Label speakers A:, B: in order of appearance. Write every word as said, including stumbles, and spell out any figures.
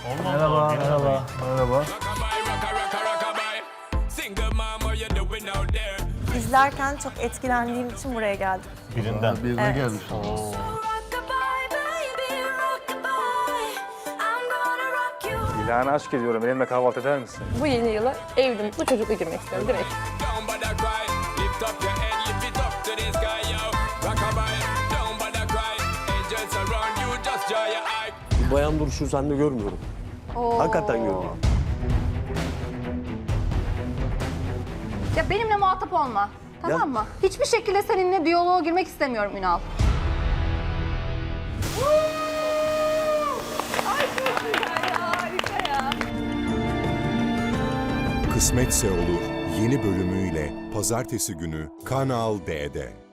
A: Merhaba, merhaba, merhaba.
B: İzlerken çok etkilendiğim için buraya geldim.
A: Birinden.
C: Birine
B: Evet.
C: gelmiş.
D: İlhan'a aşk ediyorum. Benimle kahvaltı eder misin?
E: Bu yeni yıla evli, mutlu, çocuklu girmek istiyorum direkt.
F: Bayan duruşu sende görmüyorum. Hakikaten görmüyorum.
G: Ya benimle muhatap olma. Tamam
F: Ya-
G: mı? Hiçbir şekilde seninle diyaloğa girmek istemiyorum Ünal.
H: Kısmetse Olur yeni bölümüyle pazartesi günü Kanal D'de.